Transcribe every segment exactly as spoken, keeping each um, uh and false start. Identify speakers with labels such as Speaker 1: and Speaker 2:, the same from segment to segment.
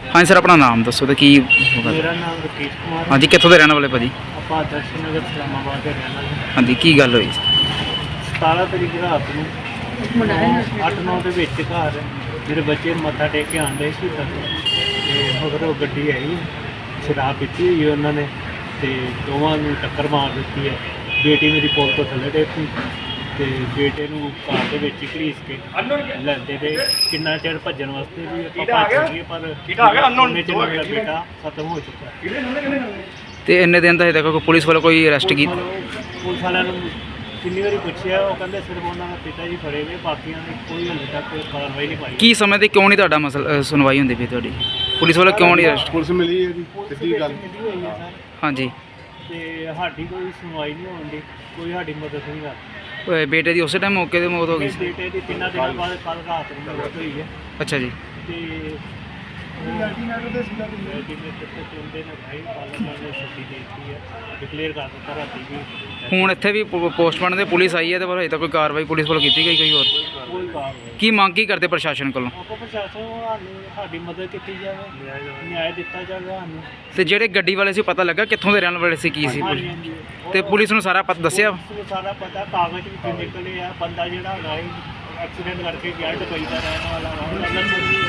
Speaker 1: हाँ सर, अपना नाम दसो तो की
Speaker 2: मेरा नाम रकेश कुमार
Speaker 1: हाँ जी, कितों के रहने वाले भाजी?
Speaker 2: ਆਪਾਂ ਦਰਸ਼ਨ ਨਗਰ ਇਸਲਾਮਾਬਾਦ ਦੇ ਰਹਿਣ ਵਾਲੇ
Speaker 1: हाँ जी, की गल हुई?
Speaker 2: ਸਤਾਰਾਂ ਤਰੀਕ ਰਾਤ ਨੂੰ ਅੱਠ ਨੌ ਦੇ ਵਿੱਚ ਘਰ ਮੇਰੇ ਬੱਚੇ ਮੱਥਾ ਟੇਕ ਕੇ ਆਉਂਦੇ ਸੀ ਤੱਕ ਤੇ ਮਗਰ ਉਹ ਗੱਡੀ ਆਈ, ਸ਼ਰਾਬ ਪੀਤੀ ਹੋਈ ਉਹਨਾਂ ਨੇ ਤੇ ਦੋਵਾਂ ਨੂੰ ਟੱਕਰ ਮਾਰ ਦਿੱਤੀ ਹੈ। ਬੇਟੀ ਮੇਰੀ ਪੁਲ ਤੋਂ ਥੱਲੇ ਡੇਪੀ ਤੇ ਬੇਟੇ ਨੂੰ ਕਾਰ ਦੇ ਵਿੱਚ ਹੀ ਘੜੀਸ ਕੇ ਲੈਂਦੇ ਤੇ ਕਿੰਨਾ ਚਿਰ ਭੱਜਣ ਵਾਸਤੇ ਵੀ ਆਪਾਂ ਭੱਜ ਗਏ ਪਰ ਉਹਨੇ ਚ ਮੇਰਾ ਬੇਟਾ ਖਤਮ ਹੋ ਚੁੱਕਾ।
Speaker 1: ਤੇ ਇੰਨੇ ਦਿਨ ਦਾ ਹਜੇ ਤੱਕ ਕੋਈ ਪੁਲਿਸ ਵੱਲੋਂ ਕੋਈ ਅਰੈਸਟ ਕੀ?
Speaker 2: ਪੁਲਿਸ ਵਾਲਿਆਂ ਨੂੰ ਕਿੰਨੀ ਵਾਰੀ ਪੁੱਛਿਆ, ਉਹ ਕਹਿੰਦੇ ਸਿਰਫ ਉਹਨਾਂ ਦੇ ਪਿਤਾ ਜੀ ਫੜੇ ਗਏ, ਬਾਕੀਆਂ ਦੀ ਕੋਈ ਹਾਲੇ ਤੱਕ ਕਾਰਵਾਈ ਨਹੀਂ ਪਾਈ।
Speaker 1: ਕੀ ਸਮੇਂ ਤੇ ਕਿਉਂ ਨਹੀਂ ਤੁਹਾਡਾ ਮਸਲਾ ਸੁਣਵਾਈ ਹੁੰਦੀ ਪਈ ਤੁਹਾਡੀ? ਪੁਲਿਸ ਵੱਲੋਂ ਕਿਉਂ ਨਹੀਂ ਅਰੈਸਟ?
Speaker 3: ਪੁਲਿਸ ਮਿਲੀ ਹੈ ਜੀ, ਸਿੱਧੀ ਗੱਲ।
Speaker 2: ਮਿਲੀ ਹੋਈ ਹੈ ਸਰ,
Speaker 1: ਹਾਂਜੀ,
Speaker 2: ਤੇ ਸਾਡੀ ਕੋਈ ਸੁਣਵਾਈ ਨਹੀਂ ਹੋਣ ਦੀ, ਕੋਈ ਸਾਡੀ ਮਦਦ ਨਹੀਂ ਕਰਦਾ।
Speaker 1: ਓਏ ਬੇਟੇ ਦੀ ਉਸੇ ਟਾਈਮ ਮੌਕੇ ਤੇ ਮੌਤ ਹੋ ਗਈ ਸੀ?
Speaker 2: ਬੇਟੇ ਦੀ ਤਿੰਨਾਂ ਦਿਨਾਂ ਬਾਅਦ ਕੱਲ ਰਾਤ ਨੂੰ ਮੌਤ ਹੋਈ ਹੈ
Speaker 1: ਅੱਛਾ ਜੀ।
Speaker 2: ਤੇ ਅਲਟੀਮੇਟ ਦੇ ਸੀਗਾ ਅਲਟੀਮੇਟ ਤੇ ਚੁੰਦੇ ਨੇ ਭਾਈ ਪਾਲਣਾ ਨੇ ਛੁੱਟੀ ਦੇ ਦਿੱਤੀ ਹੈ, ਡਿਕਲੇਅਰ ਕਰ ਦਿੱਤਾ ਰਾਤੀ ਵੀ।
Speaker 1: ਹੁਣ ਇੱਥੇ ਵੀ ਪੋਸਟਮਾਰਟਮ ਤੇ ਪੁਲਿਸ ਆਈ ਹੈ ਤੇ ਪਰ ਹਜੇ ਤੱਕ ਕੋਈ ਕਾਰਵਾਈ ਪੁਲਿਸ ਵੱਲੋਂ ਕੀਤੀ ਗਈ ਕੋਈ ਹੋਰ?
Speaker 2: ਕੋਈ ਕਾਰਵਾਈ
Speaker 1: ਕੀ ਮੰਗ ਕੀ ਕਰਦੇ ਪ੍ਰਸ਼ਾਸਨ ਕੋਲੋਂ?
Speaker 2: ਆਪਾਂ ਪ੍ਰਸ਼ਾਸਨ ਨੂੰ ਸਾਨੂੰ ਸਾਡੀ ਮਦਦ ਕੀਤੀ ਜਾਵੇ, ਨਿਆਂ ਦਿੱਤਾ ਜਾਵੇ ਸਾਨੂੰ।
Speaker 1: ਤੇ ਜਿਹੜੇ ਗੱਡੀ ਵਾਲੇ ਸੀ ਪਤਾ ਲੱਗਾ ਕਿੱਥੋਂ ਦੇ ਰਹਿਣ ਵਾਲੇ ਸੀ, ਕੀ ਸੀ?
Speaker 2: ਹਾਂਜੀ, ਹਾਂਜੀ।
Speaker 1: ਤੇ ਪੁਲਿਸ ਨੂੰ ਸਾਰਾ ਪਤਾ ਦੱਸਿਆ?
Speaker 2: ਪੁਲਿਸ ਨੂੰ ਸਾਰਾ ਪਤਾ, ਕਾਗਜ਼ ਵਿੱਚੋਂ ਨਿਕਲੇ ਆ, ਬੰਦਾ ਜਿਹੜਾ ਹੈਗਾ ਇਹ ਐਕਸੀਡੈਂਟ ਕਰਕੇ ਗਿਆ ਦੁਬਈ ਦਾ ਰਹਿਣ ਵਾਲਾ ਵਾ।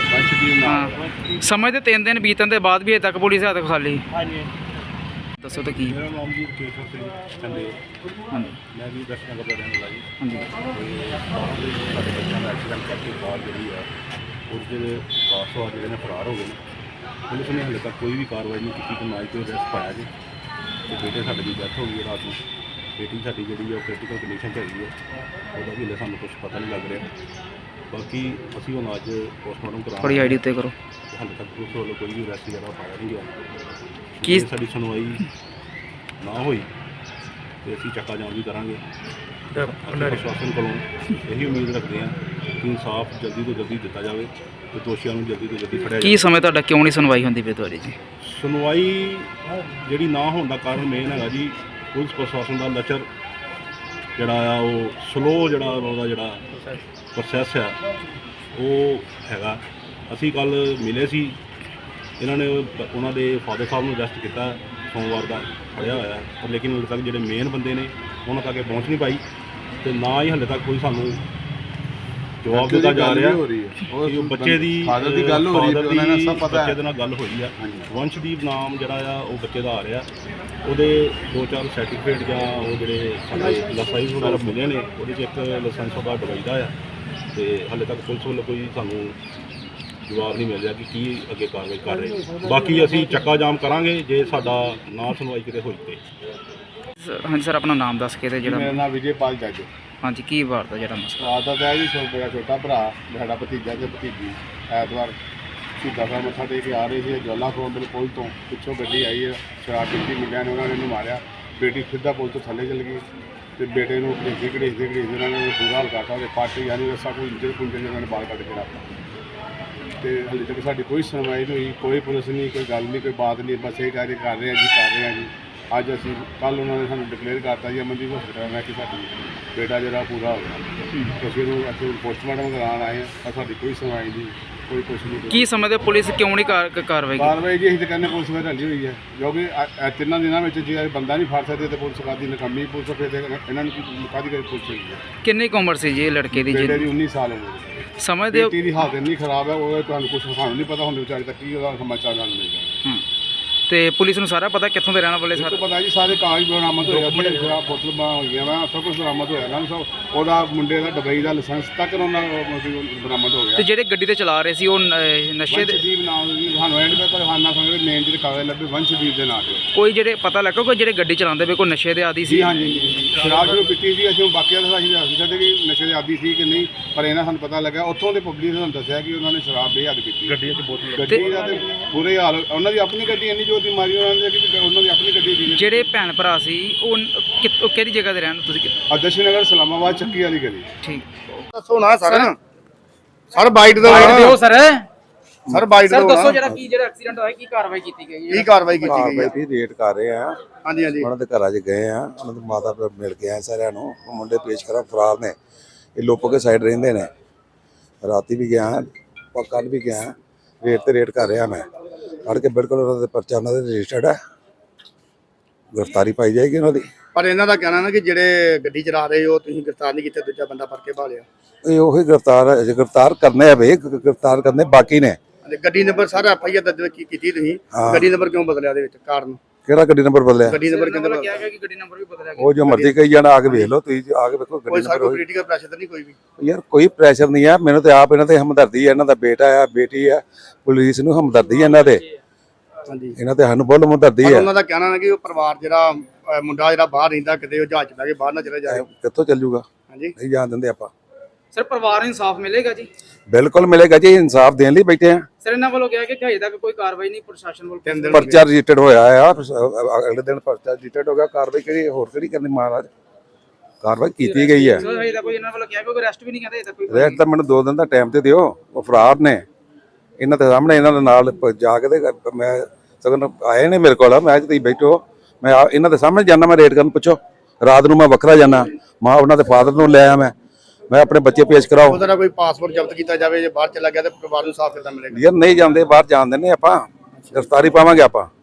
Speaker 1: ਹਾਂ, ਸਮੇਂ ਤੇ ਤਿੰਨ ਦਿਨ ਬੀਤਣ ਦੇ ਬਾਅਦ ਵੀ ਹਜੇ ਤੱਕ ਪੁਲਿਸ ਹੱਥ ਖਾਲੀ।
Speaker 2: ਹਾਂਜੀ।
Speaker 1: ਦੱਸੋ ਤਾਂ ਕੀ?
Speaker 3: ਮੇਰਾ ਨਾਮ ਜੀ ਰਕੇਸ਼ ਸਿੰਘ ਚੰਦੇ,
Speaker 1: ਹਾਂਜੀ
Speaker 3: ਮੈਂ ਵੀ ਦਰਸ਼ਨ ਨਗਰ ਦਾ ਰਹਿਣ ਵਾਲਾ ਜੀ।
Speaker 1: ਹਾਂਜੀ
Speaker 3: ਤੇ ਬਾਹਰ ਦੇ ਸਾਡੇ ਬੱਚਿਆਂ ਦਾ ਐਕਸੀਡੈਂਟ ਕਰਕੇ ਕਾਰ ਜਿਹੜੀ ਆ ਉਹਦੇ ਕਾਰਸਵਾਰ ਜਿਹੜੇ ਨੇ ਫਰਾਰ ਹੋ ਗਏ ਨੇ। ਪੁਲਿਸ ਨੇ ਹਾਲੇ ਤੱਕ ਕੋਈ ਵੀ ਕਾਰਵਾਈ ਨਹੀਂ ਕੀਤੀ ਕਿ ਨਾ ਹੀ ਕੋਈ ਅਰੈਸਟ ਪਾਇਆ ਜੀ। ਤੇ ਬੇਟੇ ਸਾਡੇ ਦੀ ਡੈਥ ਹੋ ਗਈ ਰਾਤ ਨੂੰ। ਬੇਟੀ ਸਾਡੀ ਜਿਹੜੀ ਉਹ ਕ੍ਰਿਟੀਕਲ ਕੰਡੀਸ਼ਨ 'ਚ ਹੈਗੀ ਹੈ, ਉਹਦਾ ਵੀ ਹਾਲੇ ਸਾਨੂੰ ਕੁਝ ਪਤਾ ਨਹੀਂ ਲੱਗ ਰਿਹਾ। ਬਾਕੀ ਅਸੀਂ ਹੁਣ ਅੱਜ ਪੋਸਟਮਾਰਟਮ ਕਰਾਉਣਾ।
Speaker 1: ਥੋੜੀ ਆਈਡੀ ਉੱਤੇ ਕਰੋ।
Speaker 3: ਹਾਲੇ ਤੱਕ ਪੁਲਿਸ ਵੱਲੋਂ ਕੋਈ ਵੀ ਅਰੈਸਟ ਜਿਹੜਾ ਪਾਇਆ ਨਹੀਂ ਗਿਆ।
Speaker 1: ਕੀ
Speaker 3: ਜੇ ਸਾਡੀ ਸੁਣਵਾਈ ਨਾ ਹੋਈ ਤੇ ਅਸੀਂ ਚੱਕਾ ਜਾਮ ਵੀ ਕਰਾਂਗੇ। ਅਸੀਂ ਪ੍ਰਸ਼ਾਸਨ ਕੋਲੋਂ ਇਹੀ ਉਮੀਦ ਰੱਖਦੇ ਹਾਂ ਕਿ ਇਨਸਾਫ ਜਲਦੀ ਤੋਂ ਜਲਦੀ ਦਿੱਤਾ ਜਾਵੇ ਤੇ ਦੋਸ਼ੀਆਂ ਨੂੰ ਜਲਦੀ ਤੋਂ ਜਲਦੀ ਫੜਿਆ ਜਾਵੇ।
Speaker 1: ਕੀ ਸਮੇਂ ਤੁਹਾਡਾ ਕਿਉਂ ਨਹੀਂ ਸੁਣਵਾਈ ਹੁੰਦੀ ਪਈ ਤੁਹਾਡੀ ਜੀ?
Speaker 3: ਸੁਣਵਾਈ ਜਿਹੜੀ ਨਾ ਹੋਣ ਦਾ ਕਾਰਨ ਮੇਨ ਹੈਗਾ ਜੀ ਪੁਲਿਸ ਪ੍ਰਸ਼ਾਸਨ ਦਾ ਲਚਰ ਜਿਹੜਾ ਆ, ਉਹ ਸਲੋ ਜਿਹੜਾ ਉਹਦਾ ਜਿਹੜਾ ਪ੍ਰੋਸੈਸ ਆ ਉਹ ਹੈਗਾ। ਅਸੀਂ ਕੱਲ੍ਹ ਮਿਲੇ ਸੀ, ਇਹਨਾਂ ਨੇ ਉਹਨਾਂ ਦੇ ਫਾਦਰ ਸਾਹਿਬ ਨੂੰ ਅਰੈਸਟ ਕੀਤਾ ਸੋਮਵਾਰ ਦਾ, ਫੜਿਆ ਹੋਇਆ, ਪਰ ਲੇਕਿਨ ਹਾਲੇ ਤੱਕ ਜਿਹੜੇ ਮੇਨ ਬੰਦੇ ਨੇ ਉਹਨਾਂ ਤੱਕ ਪਹੁੰਚ ਨਹੀਂ ਪਾਈ ਤੇ ਨਾ ਹੀ ਹਾਲੇ ਤੱਕ ਕੋਈ ਸਾਨੂੰ ਜਵਾਬ ਦਿੱਤਾ ਜਾ ਰਿਹਾ। ਉਹ ਬੱਚੇ ਦੀ ਫਾਦਰ ਦੀ ਗੱਲ ਹੋ ਰਹੀ ਹੈ, ਉਹਨਾਂ ਨੂੰ ਸਭ ਪਤਾ ਹੈ, ਬੱਚੇ ਦੇ ਨਾਲ ਗੱਲ ਹੋਈ ਆ। ਵੰਸ਼ਦੀਪ ਨਾਮ ਜਿਹੜਾ ਆ ਉਹ ਬੱਚੇ ਦਾ ਆ ਰਿਹਾ। ਉਹਦੇ ਦੋ ਚਾਰ ਸਰਟੀਫਿਕੇਟ ਜਾਂ ਉਹ ਜਿਹੜੇ ਸਾਡੇ ਲਾਇਸੈਂਸ ਵਗੈਰਾ ਮਿਲੇ ਨੇ, ਉਹਦੇ 'ਚ ਇੱਕ ਲਾਇਸੈਂਸ ਉਹਦਾ ਦੁਬਈ ਦਾ ਆ ਤੇ ਹਾਲੇ ਤੱਕ ਪੁਲਿਸ ਵੱਲੋਂ ਕੋਈ ਸਾਨੂੰ ਜਵਾਬ ਨਹੀਂ ਮਿਲ ਰਿਹਾ ਕਿ ਕੀ ਅੱਗੇ ਕਾਰਵਾਈ ਕਰ ਰਹੇ। ਬਾਕੀ ਅਸੀਂ ਚੱਕਾ ਜਾਮ ਕਰਾਂਗੇ ਜੇ ਸਾਡਾ ਨਾ ਸੁਣਵਾਈ ਕਿਤੇ ਹੋਈ ਤੇ।
Speaker 1: ਹਾਂਜੀ ਸਰ, ਆਪਣਾ ਨਾਮ ਦੱਸ ਕੇ ਤੇ
Speaker 3: ਮੇਰਾ
Speaker 1: ਜਿਹੜਾ
Speaker 3: ਨਾਮ ਵਿਜੇਪਾਲ ਜੱਜ।
Speaker 1: ਹਾਂਜੀ, ਕੀ ਵਾਰ ਦਾ ਜਿਹੜਾ ਮਸਲਾ?
Speaker 3: ਰਾਤ ਦਾ ਤਾਂ ਜੀ ਸੋ ਮੇਰਾ ਛੋਟਾ ਭਰਾ, ਸਾਡਾ ਭਤੀਜਾ ਤੇ ਭਤੀਜੀ ਐਤਵਾਰ ਸ਼ਹੀਦਾਂ ਸਾਹਿਬ ਮੱਥਾ ਟੇਕ ਕੇ ਆ ਰਹੇ ਸੀ ਜਵਾਲਾ ਖੋਲ ਦੇ ਪੁਲ ਤੋਂ। ਪਿੱਛੋਂ ਗੱਡੀ ਆਈ ਹੈ, ਸ਼ਰਾਬ ਪੀਤੀ ਮੁੰਡਿਆਂ ਨੇ, ਉਹਨਾਂ ਨੇ ਇਹਨੂੰ ਮਾਰਿਆ। ਬੇਟੀ ਸਿੱਧਾ ਪੁਲ ਤੋਂ ਥੱਲੇ ਚਲ ਗਈ ਤੇ ਬੇਟੇ ਨੂੰ ਘੜੀਸਦੇ ਘੜੀਸਦੇ ਘੜੀਸਦੇ ਉਹਨਾਂ ਨੇ ਬੁਰਾ ਹਾਲ ਕਰਤਾ। ਉਹਦੇ ਪੱਟ ਯਾਨੀ ਰੱਸਾ ਕੋਈ ਇੰਜਰ ਪੁੰਜਰ ਉਹਨਾਂ ਨੇ ਬਾਹਰ ਕੱਢ ਕੇ ਰੱਖਤਾ। ਤੇ ਹਾਲੇ ਤੱਕ ਸਾਡੀ ਕੋਈ ਸੁਣਵਾਈ ਨਹੀਂ ਹੋਈ, ਕੋਈ ਪੁਲਿਸ ਨਹੀਂ, ਕੋਈ ਗੱਲ ਨਹੀਂ, ਕੋਈ ਬਾਤ ਨਹੀਂ। ਬਸ ਇਹ ਕਾਰੇ ਕਰ ਰਹੇ ਹਾਂ ਜੀ, ਕਰ ਰਹੇ ਹਾਂ ਜੀ। ਅੱਜ ਅਸੀਂ ਕੱਲ੍ਹ ਉਹਨਾਂ ਨੇ ਸਾਨੂੰ ਡਿਕਲੇਅਰ ਕਰਤਾ ਜੀ ਅਮਨਦੀਪ ਹਸਪਤਾਲ ਮੈਂ ਕਿ ਸਾਡੀ ਬੇਟਾ ਜਿਹੜਾ ਪੂਰਾ ਹੋ ਗਿਆ। ਅਸੀਂ ਉਹਨੂੰ ਇੱਥੇ ਪੋਸਟਮਾਰਟਮ ਕਰਾਉਣ ਆਏ ਹਾਂ, ਪਰ ਸਾਡੀ ਕੋਈ ਸੁਣਵਾਈ ਨਹੀਂ, ਕੋਈ ਕੁਛ ਨਹੀਂ।
Speaker 1: ਕੀ ਸਮੇਂ ਤੇ ਪੁਲਿਸ ਕਿਉਂ ਨਹੀਂ ਕਾਰ- ਕਾਰਵਾਈ ਕੀਤੀ?
Speaker 3: ਕਾਰਵਾਈ ਜੀ ਅਸੀਂ ਤਾਂ ਕਹਿੰਦੇ ਪੁਲਿਸ ਵਿੱਚ ਢਲੀ ਹੋਈ ਹੈ, ਕਿਉਂਕਿ ਅ- ਇਹ ਤਿੰਨਾਂ ਦਿਨਾਂ ਵਿੱਚ ਜੇ ਬੰਦਾ ਨਹੀਂ ਫੜ ਸਕਦੇ ਤੇ ਪੁਲਿਸ ਕਾਦੀ ਨਕਾਮੀ ਪੁਲਿਸ ਫਿਰ ਇਹਨਾਂ ਨੂੰ ਕਾਦੀ ਕਰੀ ਪੁਲਿਸ ਹੋਈ ਹੈ।
Speaker 1: ਕਿੰਨੀ ਕੁ ਉਮਰ ਸੀ ਜੀ ਇਹ ਲੜਕੇ ਦੀ?
Speaker 3: ਬੇਟੇ
Speaker 1: ਜੀ
Speaker 3: ਦੀ ਉੱਨੀ ਸਾਲ ਉਮਰ।
Speaker 1: ਸਮਝਦੇ ਹੋ?
Speaker 3: ਬੇਟੀ ਦੀ ਹਾਲਤ ਇੰਨੀ ਖਰਾਬ ਹੈ, ਉਹ ਤੁਹਾਨੂੰ ਕੁਛ ਸਾਨੂੰ ਨਹੀਂ ਪਤਾ ਹੁੰਦੇ ਵਿਚਾਰੇ ਤੱਕ ਕੀ ਉਹਦਾ ਸਮਾਚਾਰ ਨਾਲ ਮਿਲਦਾ।
Speaker 1: ਹੂੰ, ਤੇ ਪੁਲਿਸ ਨੂੰ ਸਾਰਾ ਪਤਾ ਕਿੱਥੋਂ ਦੇ ਰਹਿਣ ਵਾਲੇ
Speaker 3: ਇਹ
Speaker 1: ਸਰ?
Speaker 3: ਤਾਂ ਪਤਾ ਜੀ ਸਾਰੇ ਕਾਗਜ਼ ਬਰਾਮਦ ਹੋਏ ਆ, ਬੜੇ ਖਰਾਬ ਬੋਤਲ ਹੋਈਆਂ ਵਾ, ਸਭ ਕੁਝ ਬਰਾਮਦ ਹੋਇਆ ਨਾ। ਸਭ ਉਹਦਾ ਮੁੰਡੇ ਦਾ ਦੁਬਈ ਦਾ ਲਾਇਸੈਂਸ ਤੱਕ ਉਹਨਾਂ ਬਰਾਮਦ ਹੋ ਗਿਆ।
Speaker 1: ਤੇ ਜਿਹੜੇ ਗੱਡੀ ਤੇ ਚਲਾ ਰਹੇ ਸੀ ਉਹ ਨ- ਨਸ਼ੇ ਦੇ?
Speaker 3: ਵੰਸ਼ਦੀਪ ਨਾਮ ਦੀ ਸਾਨੂੰ ਐਂਡ ਪਰ ਹਾਨਾ ਸਮਝਦੇ ਮੇਨ ਜਿਹੜੇ ਕਾਗਜ਼ ਲੱਭੇ ਵੰਸ਼ਦੀਪ ਦੇ ਨਾਂ ਤੇ।
Speaker 1: ਕੋਈ ਜਿਹੜੇ ਪਤਾ ਲੱਗਾ ਕੋਈ ਜਿਹੜੇ ਗੱਡੀ ਚਲਾਉਂਦੇ ਵੇ ਕੋਈ ਨਸ਼ੇ ਦੇ ਆਦੀ ਸੀ?
Speaker 3: ਜੀ ਹਾਂਜੀ, ਸ਼ਰਾਬ ਜਦੋਂ ਪੀਤੀ ਸੀ ਅਸੀਂ ਬਾਕੀਆਂ ਦਾ ਅਸੀਂ ਦੱਸ ਸਕਦੇ ਕਿ ਨਸ਼ੇ ਦੇ ਆਦੀ ਸੀ ਕਿ ਨਹੀਂ, ਪਰ ਇਹਨਾਂ ਸਾਨੂੰ ਪਤਾ ਲੱਗਾ ਉੱਥੋਂ ਦੇ ਪਬਲਿਕ ਨੇ ਸਾਨੂੰ ਦੱਸਿਆ ਕਿ ਉਹਨਾਂ ਨੇ ਸ਼ਰਾਬ ਬੇਹੱਦ ਪੀਤੀ। ਗੱਡੀਆਂ 'ਚ ਬੋਤਲ ਗੱਡੀ ਦਾ ਤੇ ਬੁਰੇ ਹਾਲ, ਉਹਨਾਂ ਦੀ ਆਪਣੀ ਗੱਡੀ ਇੰਨੀ ਜੋ ਦੀ ਮਾਰੀ ਉਹਨਾਂ ਨੇ ਕਿ ਉਹਨਾਂ ਦੀ ਆਪਣੀ ਗੱਡੀ ਦੀ।
Speaker 1: ਜਿਹੜੇ ਭੈਣ ਭਰਾ ਸੀ ਉਹ ਕਿੱਥੋਂ ਕਿਹੜੀ ਜਗ੍ਹਾ ਤੇ ਰਹਿਣ ਤੁਸੀਂ?
Speaker 3: ਦਰਸ਼ਨ ਨਗਰ ਇਸਲਾਮਾਬਾਦ ਚੱਕੀ ਵਾਲੀ ਗਲੀ।
Speaker 1: ਠੀਕ,
Speaker 3: ਦੱਸੋ ਨਾ ਸਰ ਸਰ ਬਾਈਟ ਦੋ
Speaker 1: ਦਿਓ ਸਰ।
Speaker 3: ਸਰ ਬਾਈਟ
Speaker 1: ਸਰ
Speaker 3: ਦੋ
Speaker 1: ਦੱਸੋ ਜਿਹੜਾ ਕੀ ਜਿਹੜਾ ਐਕਸੀਡੈਂਟ ਹੋਇਆ ਕੀ ਕਾਰਵਾਈ ਕੀਤੀ ਗਈ ਹੈ?
Speaker 3: ਕੀ ਕਾਰਵਾਈ ਕੀਤੀ ਗਈ ਹੈ?
Speaker 4: ਵੀ ਰੇਟ ਕਰ ਰਹੇ ਆ।
Speaker 3: ਹਾਂਜੀ ਹਾਂਜੀ
Speaker 4: ਉਹਨਾਂ ਦੇ ਘਰਾਂ 'ਚ ਗਏ ਆ, ਉਹਨਾਂ ਦੇ ਮਾਤਾ ਪਿਤਾ ਮਿਲ ਕੇ ਆਏ ਸਾਰਿਆਂ ਨੂੰ। ਉਹ ਮੁੰਡੇ ਪੇਸ਼ ਕਰਾ ਫਰਾਰ ਨੇ, ਇਹ ਲੋਪੋ ਕੇ ਸਾਈਡ ਰਹਿੰਦੇ ਨੇ। ਰਾਤੀ ਵੀ ਗਿਆ, ਕੱਲ ਵੀ ਗਿਆ, ਰੇਟ ਤੇ ਰੇਟ ਕਰ ਰਿਹਾ ਮੈਂ। ਫੜ ਕੇ ਬਿਲਕੁਲ ਉਹਨਾਂ ਦੇ ਪਰਚਾ ਉਹਨਾਂ ਦੇ ਰਜਿਸਟਰਡ ਹੈ, ਗ੍ਰਿਫਤਾਰੀ ਪਾਈ ਜਾਏਗੀ ਉਹਨਾਂ ਦੀ।
Speaker 5: ਪਰ ਇਹਨਾਂ ਦਾ ਕਹਿਣਾ ਨਾ ਕਿ ਜਿਹੜੇ ਗੱਡੀ ਚਲਾ ਰਹੇ ਹੋ ਤੁਸੀਂ ਗ੍ਰਿਫਤਾਰ ਨਹੀਂ ਕੀਤੇ, ਦੂਜਾ ਬੰਦਾ ਫੜ ਕੇ ਭਾਲਿਆ।
Speaker 4: ਇਹ ਉਹੀ ਗ੍ਰਿਫਤਾਰ ਹੈ, ਗ੍ਰਿਫਤਾਰ ਕਰਨੇ ਆ ਵੇ, ਗ੍ਰਿਫਤਾਰ ਕਰਨੇ ਬਾਕੀ ਨੇ।
Speaker 5: ਤੇ ਗੱਡੀ ਨੰਬਰ ਸਾਰਾ ਐਫ ਆਈ ਆਰ ਦਰਜ ਕੀ- ਕੀਤੀ ਤੁਸੀਂ,
Speaker 4: ਹਾਂ।
Speaker 5: ਗੱਡੀ ਨੰਬਰ ਕਿਉਂ ਬਦਲਿਆ ਦੇ ਵਿੱਚ ਕਾਰਨ?
Speaker 4: ਕਿਹੜਾ ਗੱਡੀ ਨੰਬਰ ਬਦਲਿਆ?
Speaker 5: ਗੱਡੀ ਨੰਬਰ
Speaker 1: ਇਹਨਾਂ
Speaker 5: ਕਿੰਨਾ
Speaker 1: ਵੱਲੋਂ ਕਿਹਾ ਗਿਆ ਕਿ ਗੱਡੀ ਨੰਬਰ ਵੀ ਬਦਲਿਆ ਗਿਆ।
Speaker 4: ਉਹ ਜੋ ਮਰਜ਼ੀ ਕਹੀ ਜਾਣਾ, ਆ ਕੇ ਵੇਖ ਲਓ ਤੁਸੀਂ, ਆ ਕੇ ਵੇਖੋ
Speaker 5: ਕੋਈ
Speaker 4: ਗੱਡੀ
Speaker 5: ਸਾਡਾ
Speaker 4: ਨੰਬਰ।
Speaker 5: ਪੋਲੀਟੀਕਲ ਪ੍ਰੈਸ਼ਰ ਤਾਂ ਨਹੀਂ ਕੋਈ ਵੀ?
Speaker 4: ਯਾਰ ਕੋਈ ਪ੍ਰੈਸ਼ਰ ਨਹੀਂ ਆ, ਮੈਨੂੰ ਤੇ ਆਪ ਇਹਨਾਂ ਤੇ ਹਮਦਰਦੀ ਹੈ, ਇਹਨਾਂ ਦਾ ਬੇਟਾ ਆ, ਬੇਟੀ ਆ, ਪੁਲਿਸ ਨੂੰ ਹਮਦਰਦੀ ਹੈ ਇਹਨਾਂ ਦੇ,
Speaker 5: ਹਾਂਜੀ।
Speaker 4: ਇਹਨਾਂ ਤੇ ਸਾਨੂੰ ਬਹੁਤ ਹਮਦਰਦੀ
Speaker 5: ਪਰ
Speaker 4: ਹੈ।
Speaker 5: ਉਹਨਾਂ ਦਾ ਕਹਿਣਾ ਨਾ ਕਿ ਉਹ ਪਰਿਵਾਰ ਜਿਹੜਾ ਅਹ ਮੁੰਡਾ ਜਿਹੜਾ ਬਾਹਰ ਰਹਿੰਦਾ ਕਿਤੇ ਉਹ ਜਹਾਜ਼ ਚ ਬਹਿ ਕੇ ਬਾਹਰ ਨਾ ਚਲੇ ਜਾਏ।
Speaker 4: ਕਿੱਥੋਂ ਚੱਲ ਜੂਗਾ?
Speaker 5: ਹਾਂਜੀ।
Speaker 4: ਨਹੀਂ ਜਾਣ ਦਿੰਦੇ ਆਪਾਂ।
Speaker 1: ਸਰ ਪਰਿਵਾਰ ਨੂੰ ਇਨਸਾਫ ਮਿਲੇਗਾ ਜੀ?
Speaker 4: ਬਿਲਕੁਲ ਮਿਲੇਗਾ ਜੀ, ਇਨਸਾਫ ਦੇਣ ਲਈ ਬੈਠੇ ਆ।
Speaker 1: ਸਰ ਇਹਨਾਂ ਵੱਲੋਂ ਕਿਹਾ ਕਿ ਹਜੇ ਤੱਕ ਕੋਈ ਕਾਰਵਾਈ ਨਹੀਂ ਪ੍ਰਸ਼ਾਸਨ ਵੱਲੋਂ।
Speaker 5: ਤਿੰਨ ਦਿਨ
Speaker 4: ਪਰਚਾ ਰਜਿਸਟਰਡ ਹੋਇਆ ਆ, ਅਗਲੇ ਦਿਨ ਪਰਚਾ ਰਜਿਸਟਰਡ ਹੋ ਗਿਆ। ਕਾਰਵਾਈ ਕਿਹੜੀ ਹੋਰ ਕਿਹੜੀ ਕਰਨੀ ਮਹਾਰਾਜ? ਕਾਰਵਾਈ ਕੀਤੀ ਗਈ ਹੈ।
Speaker 1: ਸਰ ਹਜੇ ਤੱਕ ਕੋਈ ਇਹਨਾਂ ਵੱਲੋਂ ਕਿਹਾ ਕਿ ਕੋਈ ਅਰੈਸਟ ਵੀ ਨਹੀਂ ਕਹਿੰਦੇ ਹਜੇ ਤੱਕ ਕੋਈ।
Speaker 4: ਰੈਸਟ ਤਾਂ ਮੈਨੂੰ ਦੋ ਦਿਨ ਦਾ ਟਾਈਮ ਤੇ ਦਿਓ, ਉਹ ਫਰਾਰ ਨੇ। ਇਹਨਾਂ ਦੇ ਸਾਹਮਣੇ ਇਹਨਾਂ ਦੇ ਨਾਲ ਪ- ਜਾ ਕੇ ਤੇ ਮੈਂ ਸਗੋਂ ਆਏ ਨੇ ਮੇਰੇ ਕੋਲ, ਮੈਂ ਤੁਸੀਂ ਬੈਠੋ, ਮੈਂ ਆ- ਇਹਨਾਂ ਦੇ ਸਾਹਮਣੇ ਜਾਣਾ, ਮੈਂ ਰੇਟ ਕਰਨ ਪੁੱਛੋ। ਰਾਤ ਨੂੰ ਮੈਂ ਵੱਖਰਾ ਜਾਣਾ, ਮਾਂ ਉਹਨਾਂ ਦੇ ਫਾਦਰ ਨੂੰ ਲੈ ਆ, ਮੈਂ ਮੈਂ ਆਪਣੇ ਬੱਚੇ ਪੇਸ਼ ਕਰਾਓ।
Speaker 5: ਉਹਦਾ ਕੋਈ ਪਾਸਪੋਰਟ ਜ਼ਬਤ ਕੀਤਾ ਜਾਵੇ, ਜੇ ਬਾਹਰ ਚਲਾ ਗਿਆ ਤੇ ਪਰਿਵਾਰ ਨੂੰ ਸਾਫ਼ ਕਿੱਦਾਂ ਮਿਲੇਗਾ?
Speaker 4: ਯਾਰ ਨਹੀਂ ਜਾਂਦੇ ਬਾਹਰ, ਜਾਣ ਦਿੰਦੇ ਆਪਾਂ, ਗ੍ਰਿਫਤਾਰੀ ਪਾਵਾਂਗੇ ਆਪਾਂ।